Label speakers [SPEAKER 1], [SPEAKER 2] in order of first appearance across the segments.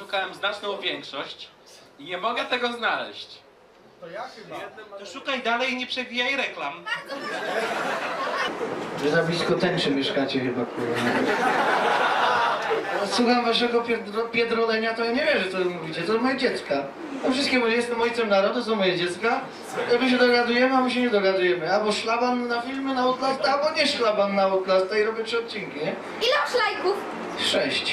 [SPEAKER 1] przeszukałem znaczną większość i nie mogę tego znaleźć.
[SPEAKER 2] To ja chyba.
[SPEAKER 3] To szukaj dalej i nie przewijaj reklam.
[SPEAKER 4] Że za blisko tęczy mieszkacie chyba, kurwa. Słucham waszego pierdolenia, to ja nie wierzę, co wy mówicie. To moje dziecka. No wszystkie moje, jestem ojcem narodu, to są moje dziecka. My się dogadujemy, a my się nie dogadujemy. Albo szlaban na filmy na Outlast, albo nie szlaban na Outlasta i robię 3 odcinki, nie?
[SPEAKER 5] Ile masz lajków?
[SPEAKER 4] 6.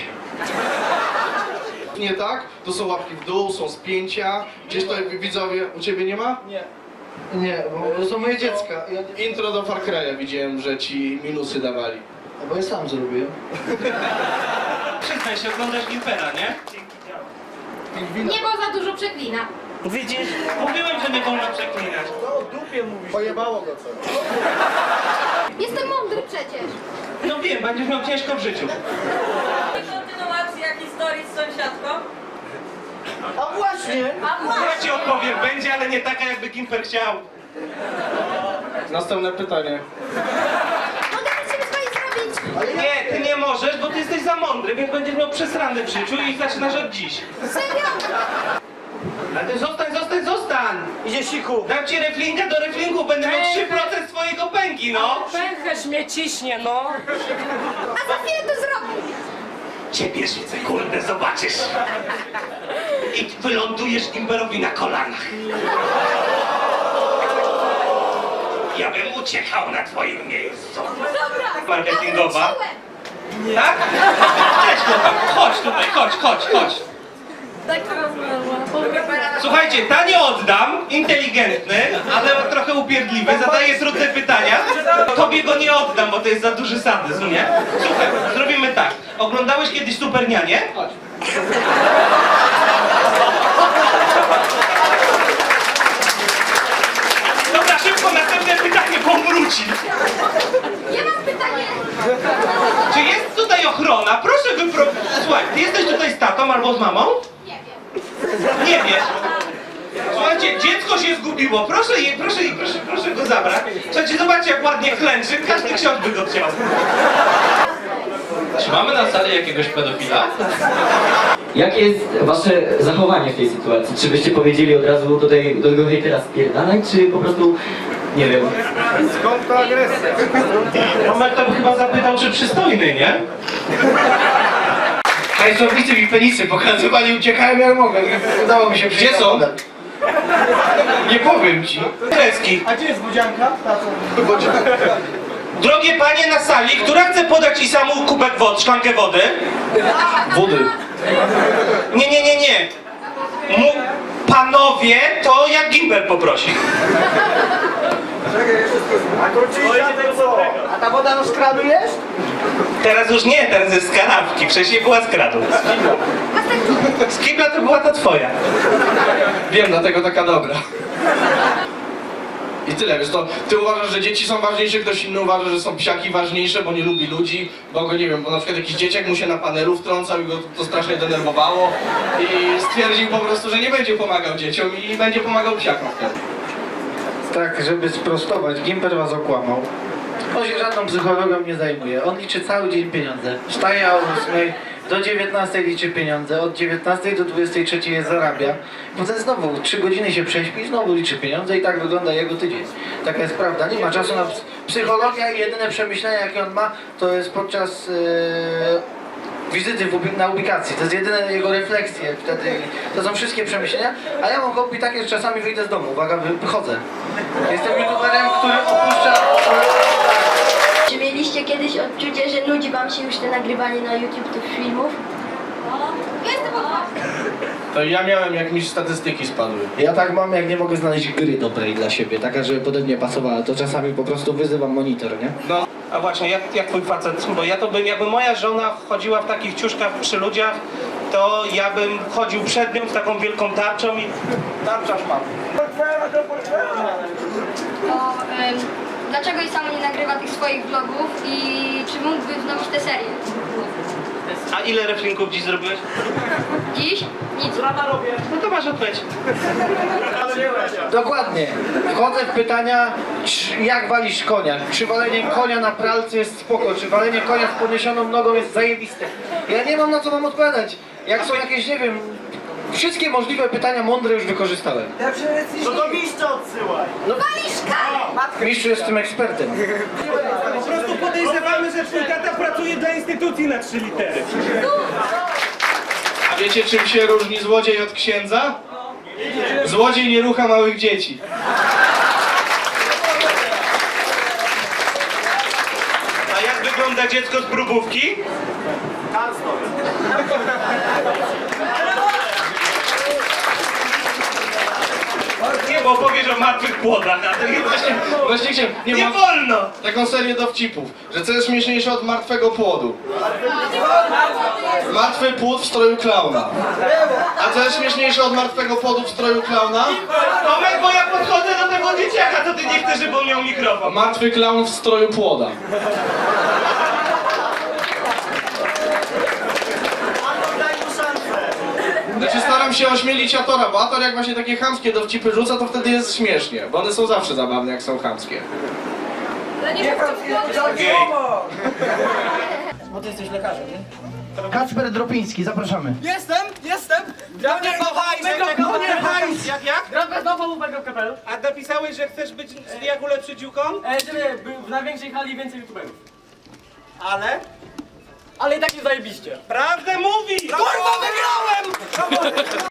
[SPEAKER 2] Nie tak? To są łapki w dół, są spięcia. Gdzieś to widzowie, u ciebie nie ma?
[SPEAKER 4] Nie. Nie, bo to są moje dziecka.
[SPEAKER 2] Intro do Far Cry'a widziałem, że ci minusy dawali.
[SPEAKER 4] Bo ja sam zrobiłem.
[SPEAKER 3] Przyznaj się, oglądasz Gimpera, nie?
[SPEAKER 5] Nie, bo za dużo przeklina.
[SPEAKER 3] Widzisz? Mówiłem, że nie wolno przeklinać.
[SPEAKER 2] Pojebało go co?
[SPEAKER 5] Jestem mądry przecież.
[SPEAKER 3] No wiem, będziesz miał ciężko w życiu.
[SPEAKER 6] Kontynuacja historii z sąsiadką.
[SPEAKER 4] A właśnie!
[SPEAKER 3] Ja ci opowiem, będzie, ale nie taka, jakby Gimper chciał.
[SPEAKER 2] Następne pytanie.
[SPEAKER 5] Mogę coś sobie zrobić?
[SPEAKER 3] Nie, ty nie możesz, bo ty jesteś za mądry, więc będziesz miał przesrany w życiu i zaczynasz od dziś.
[SPEAKER 5] Serio?
[SPEAKER 3] Ale ty zostań! Idzie siku. Dam ci reflinga do reflingu, będę miał 3% swojego pęgi, no!
[SPEAKER 6] Pęcherz mnie ciśnie, no.
[SPEAKER 5] A za chwilę to zrobię.
[SPEAKER 3] Ciebie świecę, kurde, zobaczysz. I wylądujesz Gimperowi na kolanach. Ja bym uciekał na twoim miejscu.
[SPEAKER 5] Dobra.
[SPEAKER 3] Marketingowa.
[SPEAKER 5] Wróciłem.
[SPEAKER 3] Tak? Cześć, chłopak, chodź tutaj, chodź.
[SPEAKER 5] Tak to rozmawiam.
[SPEAKER 3] Słuchajcie, ta nie oddam, inteligentny, ale trochę upierdliwy, zadaje trudne pytania. Tobie go nie oddam, bo to jest za duży sadyzm, nie? Słuchaj, zrobimy tak. Oglądałeś kiedyś Supernianie? Chodź. Dobra, szybko, następne pytanie, bo wróci.
[SPEAKER 5] Ja mam pytanie.
[SPEAKER 3] Czy jest tutaj ochrona? Proszę Słuchaj, ty jesteś tutaj z tatą albo z mamą?
[SPEAKER 5] Nie wiem.
[SPEAKER 3] Nie wiesz. Słuchajcie, dziecko się zgubiło. Proszę go zabrać. Słuchajcie, zobaczcie jak ładnie klęczy. Każdy ksiądz by go chciał.
[SPEAKER 1] Czy mamy na sali jakiegoś pedofila?
[SPEAKER 7] Jakie jest wasze zachowanie w tej sytuacji? Czy byście powiedzieli od razu do tego hejtera spierdalaj, czy po prostu, nie wiem...
[SPEAKER 2] Skąd ta agresja?
[SPEAKER 3] Moment to chyba zapytał, czy przystojny, nie?
[SPEAKER 4] Hajsownicy mi penisy pokazywali, uciekałem jak mogę. Udało mi się
[SPEAKER 2] Gdzie są?
[SPEAKER 4] Nie powiem ci.
[SPEAKER 3] Kreski.
[SPEAKER 4] A gdzie jest budzianka?
[SPEAKER 3] Drogie panie na sali, która chce podać i samu kubek szklankę wody?
[SPEAKER 2] Wody.
[SPEAKER 3] Nie. Panowie, to jak Gimper poprosi.
[SPEAKER 4] A ta woda z kranu jest?
[SPEAKER 3] Teraz już nie, teraz jest z kanapki. Wcześniej była z kradu. Z kibla to była ta twoja.
[SPEAKER 2] Wiem, dlatego taka dobra. I tyle, wiesz, to ty uważasz, że dzieci są ważniejsze, ktoś inny uważa, że są psiaki ważniejsze, bo nie lubi ludzi, bo go, nie wiem, bo na przykład jakiś dzieciak mu się na panelu wtrącał i go to strasznie denerwowało i stwierdził po prostu, że nie będzie pomagał dzieciom i będzie pomagał psiakom wtedy.
[SPEAKER 4] Tak, żeby sprostować, Gimper was okłamał. On się żadną psychologą nie zajmuje. On liczy cały dzień pieniądze. Wstaje o 8, do 19 liczy pieniądze, od 19 do 23 je zarabia. Potem znowu 3 godziny się prześpi, znowu liczy pieniądze i tak wygląda jego tydzień. Taka jest prawda. Nie ma czasu na psychologia i jedyne przemyślenia jakie on ma, to jest podczas wizyty na ubikacji. To jest jedyne jego refleksje wtedy. To są wszystkie przemyślenia. A ja mam hobby takie, że czasami wyjdę z domu. Uwaga, wychodzę. Jestem youtuberem, który opuszcza...
[SPEAKER 8] Czy mieliście kiedyś odczucie, że nudzi wam się już te nagrywanie na YouTube tych filmów?
[SPEAKER 5] Jestem odważny.
[SPEAKER 2] To ja miałem, jak mi statystyki spadły.
[SPEAKER 4] Ja tak mam, jak nie mogę znaleźć gry dobrej dla siebie, taka, żeby pode mnie pasowała, to czasami po prostu wyzywam monitor, nie?
[SPEAKER 3] No, a właśnie, jak twój facet? Bo ja to bym, jakby moja żona chodziła w takich ciuszkach przy ludziach, to ja bym chodził przed nią z taką wielką tarczą i... Tarczasz mam.
[SPEAKER 5] Dlaczego i sam nie nagrywa tych swoich vlogów i czy mógłby wznowić tę serię?
[SPEAKER 3] A ile reflinków dziś zrobiłeś?
[SPEAKER 5] Dziś? Nic.
[SPEAKER 3] No to masz odpowiedź.
[SPEAKER 4] Dokładnie. Wchodzę w pytania, jak walisz konia? Czy walenie konia na pralce jest spoko? Czy walenie konia z podniesioną nogą jest zajebiste? Ja nie mam na co wam odpowiadać. Jak są jakieś, nie wiem, wszystkie możliwe pytania mądre już wykorzystałem.
[SPEAKER 9] To do mistrza odsyłaj.
[SPEAKER 4] Mistrzu jest tym ekspertem.
[SPEAKER 3] Po prostu podejrzewamy, że twój tata pracuje dla instytucji na 3 litery.
[SPEAKER 2] A wiecie, czym się różni złodziej od księdza? Złodziej nie rucha małych dzieci.
[SPEAKER 3] A jak wygląda dziecko z próbówki? Nie, bo opowiesz o martwych płodach, a to nie
[SPEAKER 2] Właśnie chciałem,
[SPEAKER 3] nie
[SPEAKER 2] mam
[SPEAKER 3] wolno!
[SPEAKER 2] taką serię dowcipów, że co jest śmieszniejsze od martwego płodu? Martwy płód w stroju klauna. A co jest śmieszniejsze od martwego płodu w stroju klauna?
[SPEAKER 3] Tomek, bo ja podchodzę do tego dzieciaka, to ty nie chcesz, żeby on miał mikrofon.
[SPEAKER 2] Martwy klaun w stroju płoda.
[SPEAKER 9] Daj mu szansę.
[SPEAKER 2] Znaczy staram się ośmielić Atora, bo Ator jak właśnie takie chamskie dowcipy rzuca, to wtedy jest śmiesznie, bo one są zawsze zabawne, jak są chamskie.
[SPEAKER 3] Gej.
[SPEAKER 9] Bo ty jesteś lekarzem, nie? Kacper Dropiński, zapraszamy.
[SPEAKER 6] Jestem!
[SPEAKER 10] Jak?
[SPEAKER 6] Grabę nową uwagę kapelu.
[SPEAKER 10] A napisałeś, że chcesz być jak ulepszy dziuką?
[SPEAKER 6] Żeby był w największej hali więcej youtuberów.
[SPEAKER 10] Ale?
[SPEAKER 6] Ale i tak nie zajebiście.
[SPEAKER 10] Prawdę mówi! Kurwa, wygrałem!